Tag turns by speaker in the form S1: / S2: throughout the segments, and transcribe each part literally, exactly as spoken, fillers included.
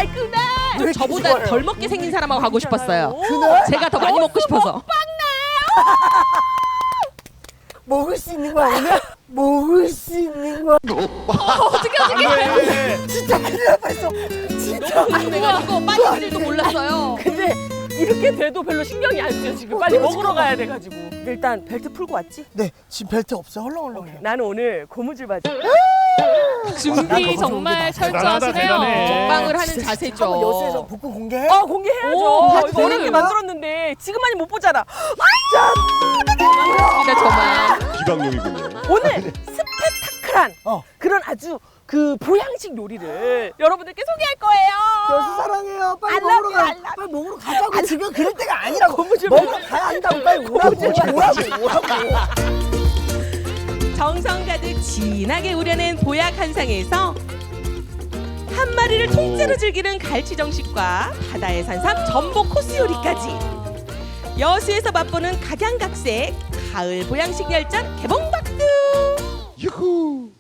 S1: 그날
S2: 좀 저보다
S3: 좋아요?
S2: 덜 먹게 생긴 사람하고 가고 싶었어요.
S3: 그날
S2: 제가 더 많이 먹고 싶어서.
S3: 먹을 수 있는 거야 오늘? 먹을 수 있는 거야?
S2: 어떻게 어떻게?
S3: 진짜 큰일 날 뻔했어. 진짜.
S2: 궁금해가지고 빠질 줄도 몰랐어요.
S1: 근데 이렇게 돼도 별로 신경이 안 쓰여 지금. 빨리 먹으러 가야 돼가지고. 일단 벨트 풀고 왔지?
S3: 네 지금 벨트 없어 헐렁헐렁해.
S1: 나는 오늘 고무줄 바지.
S4: 준비 정말 철저하시네요.
S2: 먹방을 하는 자세죠.
S3: 한번 여수에서 복근 공개해?
S1: 어 공개해야죠.
S2: 오,
S1: 이거
S2: 하트를.
S1: 어렵게 만들었는데 지금만이 못 보잖아.
S2: 진짜 저만.
S5: 비방용이군요.
S1: 오늘 스펙타클한
S3: 어.
S1: 그런 아주 그 보양식 요리를 여러분들께 소개할 거예요.
S3: 여수 사랑해요. 빨리
S1: I
S3: 먹으러
S1: love
S3: 가.
S1: you, I love
S3: 빨리 먹으러 가자고. 지금 그럴 때가 아니라고.
S1: 고무줄
S3: 먹으러
S1: 바지.
S3: 가야 한다고. 빨리 오라고. 오라고. 오라고.
S2: 정성 가득 진하게 우려낸 보약 한상에서 한 마리를 통째로 즐기는 갈치 정식과 바다의 산삼 전복 코스 요리까지 여수에서 맛보는 각양각색 가을 보양식 열전 개봉박두.
S5: 유후.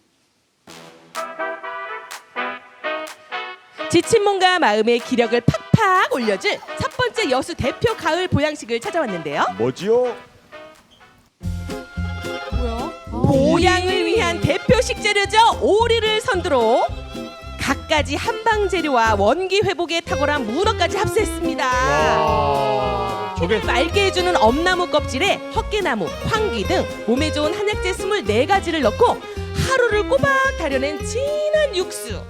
S2: 지친 몸과 마음의 기력을 팍팍 올려줄 첫 번째 여수 대표 가을 보양식을 찾아왔는데요.
S5: 뭐지요?
S4: 뭐야?
S2: 보양을 위한 대표 식재료죠. 오리를 선두로 갖가지 한방 재료와 원기 회복에 탁월한 문어까지 합세했습니다. 피를 맑게 해주는 엄나무 껍질에 헛개나무, 황기 등 몸에 좋은 한약재 스물네 가지를 넣고 하루를 꼬박 달여낸 진한 육수.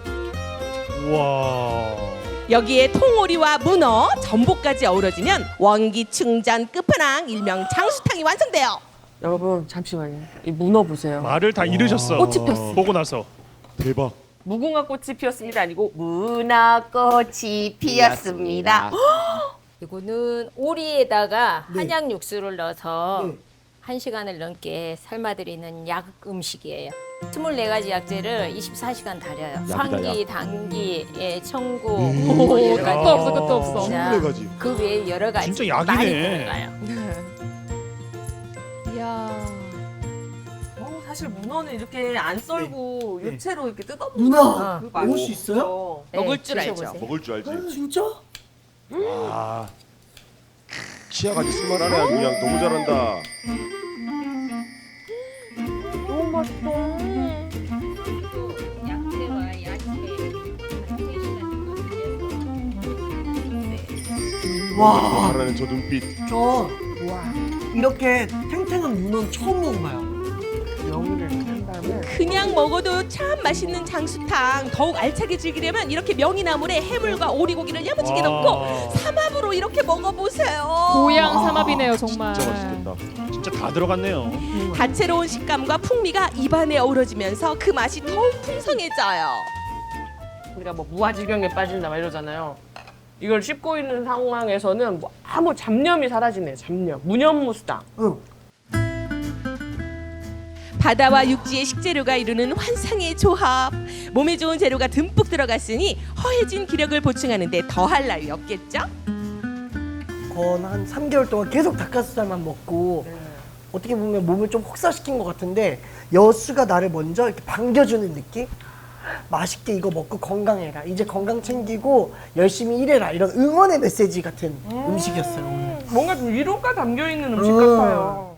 S6: 와.
S2: 여기에 통오리와 문어, 전복까지 어우러지면 원기 충전 끝판왕 일명 장수탕이 완성돼요.
S1: 여러분 잠시만요. 이 문어 보세요.
S6: 말을 다 잃으셨어.
S1: 꽃이 폈어.
S6: 보고 나서.
S5: 대박.
S1: 무궁화 꽃이 피었습니다. 아니고 문어꽃이 피었습니다.
S7: 이거는 오리에다가
S3: 네.
S7: 한약 육수를 넣어서
S3: 네.
S7: 한 시간을 넘게 삶아드리는 약 음식이에요. 스물네 가지 약재를 이십사 시간 달여요.
S5: 약이다,
S7: 상기,
S5: 약.
S7: 당기, 예, 청구,
S5: 음.
S7: 뭐
S4: 오,
S7: 여러 가지.
S4: 끝도 없어, 끝도 없어.
S7: 자,
S5: 스물네 가지.
S7: 그 외에 여러 가지
S6: 진짜 약이네.
S7: 많이 들어가요.
S4: 이야.
S1: 어, 사실 문어는 이렇게 안 썰고
S3: 네.
S1: 유채로 이렇게 뜯어
S3: 누나
S1: 그
S3: 먹을 수 있어요?
S7: 네,
S2: 먹을 줄 알죠.
S7: 드셔보세요.
S5: 먹을 줄 알지.
S3: 아, 진짜?
S5: 아. 치아가지 쓸만하네. 아주 그냥 너무 잘한다.
S1: 너무 맛있다.
S7: 약재와 야채
S3: 와.
S5: 잘하는 저 눈빛.
S3: 저 와. 이렇게 탱탱한 문어는 처음 먹어봐요.
S1: 명이를 한 다음에
S2: 그냥 먹어도 참 맛있는 장수탕 더욱 알차게 즐기려면 이렇게 명이나물에 해물과 오리고기를 야무지게
S6: 와.
S2: 넣고 삼합으로 이렇게 먹어보세요.
S4: 보양 삼합이네요, 정말.
S5: 진짜 맛있겠다.
S6: 진짜 다 들어갔네요.
S2: 다채로운 식감과 풍미가 입안에 어우러지면서 그 맛이 더욱 풍성해져요.
S1: 우리가 뭐 무아지경에 빠진다 막 이러잖아요. 이걸 씹고 있는 상황에서는 뭐 아무 잡념이 사라지네. 잡념. 무념무수다.
S3: 응.
S2: 바다와 육지의 식재료가 이루는 환상의 조합. 몸에 좋은 재료가 듬뿍 들어갔으니 허해진 기력을 보충하는 데 더할 나위 없겠죠?
S3: 건 한 삼 개월 동안 계속 닭가슴살만 먹고 어떻게 보면 몸을 좀 혹사시킨 것 같은데 여수가 나를 먼저 이렇게 반겨주는 느낌? 맛있게 이거 먹고 건강해라. 이제 건강 챙기고 열심히 일해라. 이런 응원의 메시지 같은 음~ 식이었어요 오늘.
S1: 뭔가 좀 위로가 담겨 있는 음식
S3: 음.
S1: 같아요.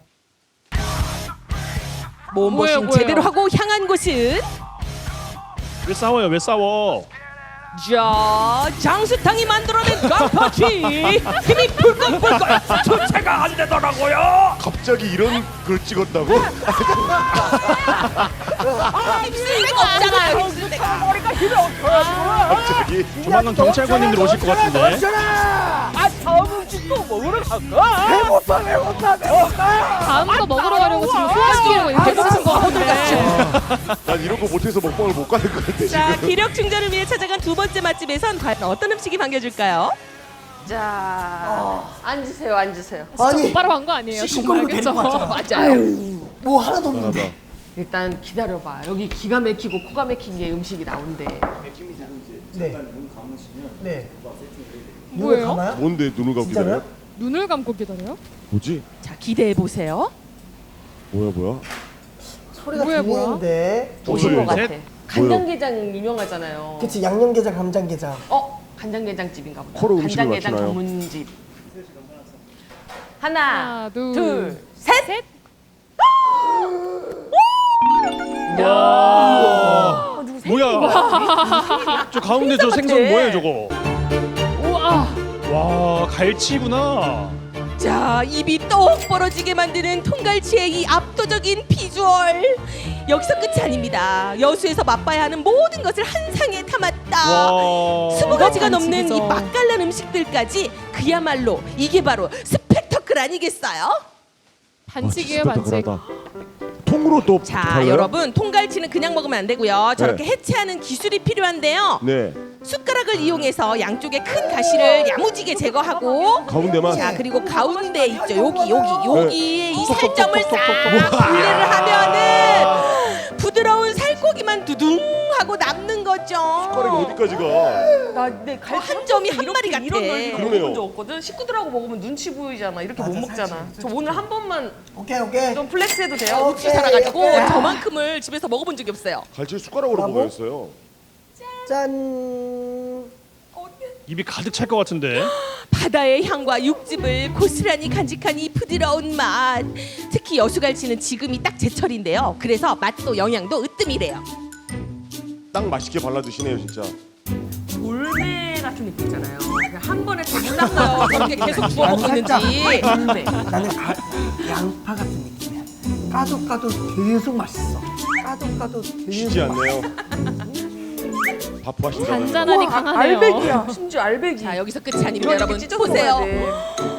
S2: 몸보신
S4: 뭐예요, 뭐예요?
S2: 제대로 하고 향한 곳은
S6: 왜 싸워요? 왜 싸워?
S2: 자 장수탕이 만들어낸 깡파치 힘이 불끈불끈
S6: 주체가 안 되더라고요.
S5: 갑자기 이런 걸 찍었다고?
S2: 힘쓸 데가 없잖아요. 힘쓸 데가.
S1: 머리가 힘이 없어요.
S5: 갑자기?
S6: 조만간 경찰관님들 오실 것 같은데.
S1: 아 다음 음식도 먹으러 갈까?
S3: 배고파 배고파 배고파.
S4: 다음 거 먹으러 가려고 지금 소화시키려고 이렇게 쓰는 거 같은데.
S5: 난 이런 거 못해서 먹방을 못 가는 것 같아
S2: 자
S5: 지금.
S2: 기력 충전을 위해 찾아간 두 번째 맛집에선 과연 어떤 음식이 반겨줄까요?
S1: 자 앉으세요, 앉으세요.
S3: 아니
S4: 똑바로 간 거 아니에요?
S3: 시끄럽고
S4: 정말
S3: 데리고
S4: 그쵸?
S3: 왔잖아. 뭐 하나도
S5: 하나다.
S3: 없는데.
S1: 일단 기다려봐. 여기 기가 막히고 코가 막힌 게 음식이 나온대.
S3: 네. 네.
S4: 뭐예요?
S3: 눈을 감아요?
S5: 뭔데 눈을 감고
S3: 진짜로요?
S5: 기다려?
S4: 눈을 감고 기다려요?
S5: 뭐지?
S2: 자 기대해 보세요.
S5: 뭐야 뭐야?
S3: 소리가
S4: 뭐야, 뭐야?
S3: 들리는데.
S1: 오신 것
S6: 둘,
S1: 같아.
S6: 셋.
S1: 간장게장 유명하잖아요.
S3: 그치 양념게장 감장게장.
S1: 어? 간장게장집인가 보다.
S5: 코로 음식을
S1: 간장게장
S5: 맞추나요?
S1: 전문집. 하나,
S4: 하나, 둘,
S1: 둘, 셋.
S4: 셋.
S6: 와. 뭐야? 저 가운데 저 생선 뭐예요 저거?
S4: 우와.
S6: 와 갈치구나.
S2: 자, 입이 떡 벌어지게 만드는 통갈치의 이 압도적인 비주얼. 여기서 끝이 아닙니다. 여수에서 맛봐야 하는 모든 것을 한 상에 담았다.
S6: 와.
S2: 스무 가지가
S4: 이거
S2: 넘는 이
S4: 반칙이죠.
S2: 맛깔난 음식들까지 그야말로 이게 바로 스펙터클 아니겠어요?
S4: 반칙이에요,
S5: 아, 진짜
S4: 반칙.
S5: 따끈하다. 통으로 또
S2: 자,
S5: 달라요?
S2: 여러분 통갈치는 그냥 먹으면 안 되고요. 저렇게
S5: 네.
S2: 해체하는 기술이 필요한데요.
S5: 네.
S2: 숟가락을 이용해서 양쪽의 큰 가시를 야무지게 제거하고
S5: 가운데만.
S2: 자, 그리고 가운데 있죠. 여기 여기 여기에 이
S5: 톡톡톡톡톡톡.
S2: 살점을 싹 분리를 하면은 부드러운 살코기만 두둥 하고 남는 거죠.
S5: 숟가락이 어디까지 가?
S1: 나내
S2: 어, 한 점이 한 마리 같아.
S1: 이런 넓이로
S5: 그러네요.
S1: 먹은 적 없거든. 식구들하고 먹으면 눈치 보이잖아. 이렇게 못
S3: 맞아,
S1: 먹잖아.
S3: 살짝,
S1: 저 오늘 한 번만
S3: 오케이 오케이.
S1: 좀 플렉스해도 돼요?
S3: 어.
S2: 혹시 살아가지고
S3: 오케이.
S2: 저만큼을 집에서 먹어본 적이 없어요.
S5: 갈치 숟가락으로
S3: 브라보.
S5: 먹어야겠어요.
S3: 짠.
S6: 입이 가득 찰 것 같은데.
S2: 바다의 향과 육즙을 고스란히 간직한 이 부드러운 맛. 특히 여수갈치는 지금이 딱 제철인데요. 그래서 맛도 영양도 으뜸이래요.
S5: 딱 맛있게 발라 드시네요 진짜.
S1: 돌매 같은 느낌 있잖아요. 그냥 한 번에 다 몰랐어요. 저렇게 계속 주워 먹고
S3: 나는 살짝
S1: 있는지. 돌매.
S3: 나는 가, 양파 같은 느낌이야. 까도 까도 계속 맛있어. 까도 까도
S5: 쉬지
S3: 계속 맛있어.
S5: 않네요. 바쁘하신가 봐요.
S4: 잔잔하니 강하네요.
S1: 알배기야. 심지어 알배기.
S2: 자, 여기서 끝이 아닙니다,
S1: 이렇게
S2: 여러분.
S1: 찢어서
S2: 보세요.
S1: 먹어야 돼.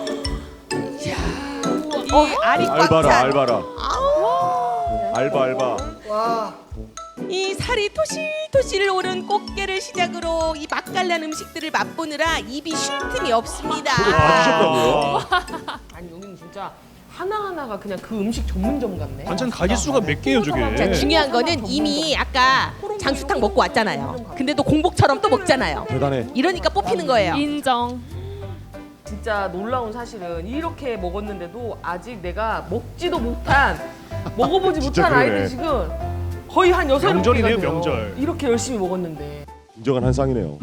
S2: 이 알이 꽉
S5: 알바라
S2: 찬.
S5: 알바라. 알바 알바.
S3: 와.
S2: 이 살이 토실토실 오른 꽃게를 시작으로 이 맛깔난 음식들을 맛보느라 입이 쉴 틈이 없습니다.
S5: 그걸 봐주셨다고요?
S1: 아니 여기는 진짜 하나하나가 그냥 그 음식 전문점 같네.
S6: 반찬 가지 수가 몇 개예요
S2: 자,
S6: 저게?
S2: 중요한 거는 이미 아까 장수탕 먹고 왔잖아요. 근데 또 공복처럼 또 먹잖아요.
S5: 대단해.
S2: 이러니까 뽑히는 거예요.
S4: 인정.
S1: 진짜 놀라운 사실은 이렇게 먹었는데도 아직 내가 먹지도 못한 먹어보지
S5: 진짜
S1: 못한
S5: 그러네.
S1: 아이들 지금 거의 한 여섯 일곱 개가
S6: 명절이네요,
S1: 돼요.
S6: 명절.
S1: 이렇게 열심히 먹었는데.
S5: 인정한 한 쌍이네요.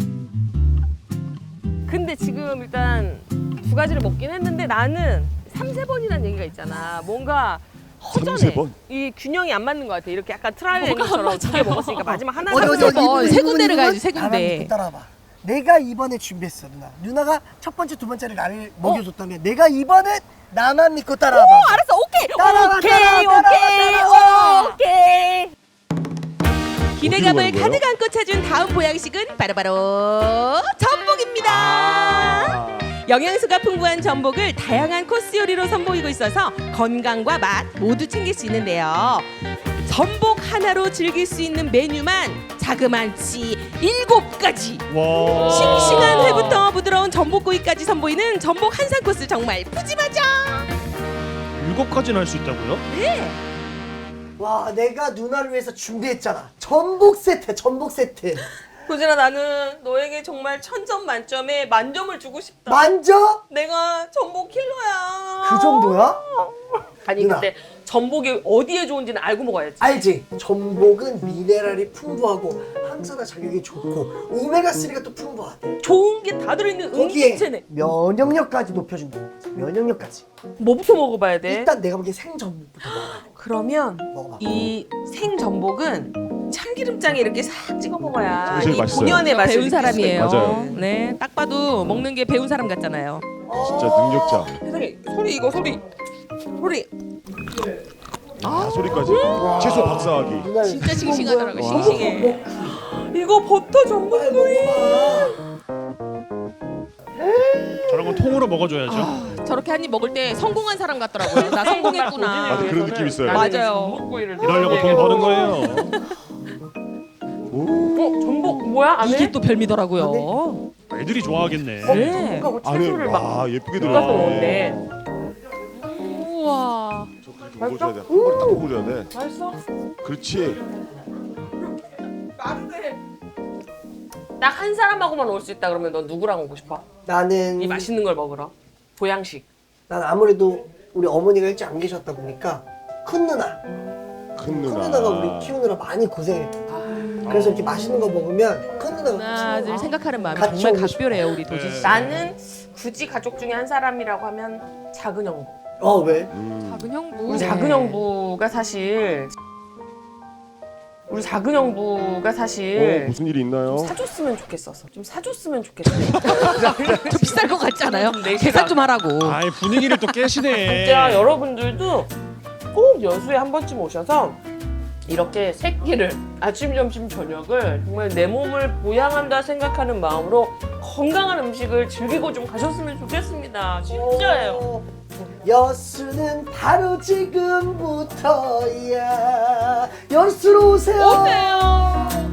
S1: 근데 지금 일단 두 가지를 먹긴 했는데 나는 삼세 번이라는 얘기가 있잖아. 뭔가 허전해.
S5: 삼세 번?
S1: 이 균형이 안 맞는 것 같아. 이렇게 약간 트라이앵글처럼 두 개 먹었으니까 마지막 하나
S3: 어디, 어디, 어디,
S1: 삼세 번.
S3: 이분,
S2: 세
S3: 이분,
S2: 군데를
S3: 이분?
S2: 가야지, 세
S3: 나랑
S2: 군데.
S3: 믿고 따라와봐. 내가 이번에 준비했어 누나. 누나가 첫 번째 두 번째를 나를 먹여줬다면 내가 이번에 나만 믿고 따라와봐.
S2: 어, 알았어, 오케이,
S3: 따라와,
S2: 오케이,
S3: 따라와,
S2: 오케이,
S3: 따라와,
S2: 오케이. 기대감을
S5: 어디로 가는
S2: 가득
S5: 거예요?
S2: 안고 찾은 다음 보양식은 바로바로 전복입니다.
S5: 아.
S2: 영양소가 풍부한 전복을 다양한 코스 요리로 선보이고 있어서 건강과 맛 모두 챙길 수 있는데요. 전복 하나로 즐길 수 있는 메뉴만 자그만치 일곱 가지.
S6: 와.
S2: 싱싱한 회부터 부드러운 전복구이까지 선보이는 전복 한상 코스 정말 푸짐하죠.
S6: 일곱 가지나 할 수 있다고요?
S3: 와 내가 누나를 위해서 준비했잖아. 전복 세트, 전복 세트.
S1: 고진아 나는 너에게 정말 천점 만점에 만점을 주고 싶다.
S3: 만져?
S1: 내가 전복 킬러야.
S3: 그 정도야?
S1: 아니
S3: 누나.
S1: 근데 전복이 어디에 좋은지는 알고 먹어야지.
S3: 알지? 전복은 미네랄이 풍부하고 항산화 자격이 좋고 오메가삼가 또 풍부하대.
S1: 좋은 게 다 들어있는
S3: 거기에
S1: 음식체네.
S3: 면역력까지 높여준다. 면역력까지.
S1: 뭐부터 먹어봐야 돼?
S3: 일단 내가 보기엔 생전복부터 먹어야 돼.
S1: 그러면
S3: 먹어봐.
S1: 이 생전복은 참기름장에 이렇게 싹 찍어 먹어야
S5: 제일
S1: 이
S5: 맛있어요.
S1: 본연의 맛을
S2: 배운
S1: 느낄 수가
S2: 사람이에요.
S1: 있거든.
S5: 맞아요.
S2: 네, 딱 봐도 먹는 게 배운 사람 같잖아요.
S5: 진짜 능력자.
S1: 세상에 소리 이거 소리 소리
S5: 아 소리까지. 채소 박사하기.
S3: 누나
S2: 진짜 싱싱하더라고요.
S5: 와.
S2: 싱싱해.
S1: 이거 버터 전복구이.
S6: 저런 건 통으로 먹어줘야죠.
S2: 아, 저렇게 한 입 먹을 때 성공한 사람 같더라고요. 나 성공했구나.
S5: 맞아, 그런 느낌 있어요.
S2: 맞아요.
S1: 전복구이를
S6: 이러려고 돈 버는 거예요.
S1: 어 전복 뭐야 안에?
S2: 이게 또 별미더라고요.
S6: 애들이 좋아하겠네.
S2: 네.
S1: 전복하고
S5: 안에
S1: 채소를 막
S5: 와 예쁘게
S1: 볶아서
S5: 들어갔네.
S1: 먹는데
S4: 우와.
S5: 저 그렇게 먹어줘야 돼. 한 번에 딱 먹어줘야 돼.
S1: 맛있어?
S5: 그렇지.
S1: 빠르네. 딱 한 사람하고만 올 수 있다 그러면 넌 누구랑 오고 싶어?
S3: 나는
S1: 이 맛있는 걸 먹으러 보양식.
S3: 난 아무래도 우리 어머니가 일찍 안 계셨다 보니까 큰 누나.
S5: 큰
S3: 큰
S5: 누나.
S3: 누나가 우리 키우느라 많이 고생했다.
S5: 아
S3: 그래서 이렇게 맛있는 거 먹으면 큰 누나가
S2: 하나 둘 생각하는 마음이
S3: 같이
S2: 정말
S3: 오고 싶어.
S2: 각별해요 우리 도진 씨.
S1: 나는 굳이 가족 중에 한 사람이라고 하면 작은 형부.
S3: 어 왜?
S4: 작은 형부.
S1: 우리 작은 형부가 사실 우리 작은 형부가
S5: 어,
S1: 사실
S5: 무슨 일이 있나요?
S1: 사줬으면 좋겠어서 좀 사줬으면 좋겠어요.
S2: 좀 비쌀 것 같지 않아요?
S1: 네,
S2: 계산 좀 하라고.
S6: 아이 분위기를 또 깨시네.
S1: 진짜 여러분들도 꼭 여수에 한 번쯤 오셔서 이렇게 새끼를 아침, 점심, 저녁을 정말 내 몸을 보양한다 생각하는 마음으로 건강한 음식을 즐기고 좀 가셨으면 좋겠습니다. 진짜예요.
S3: 어, 여수는 바로 지금부터야. 여수로 오세요.
S1: 오세요.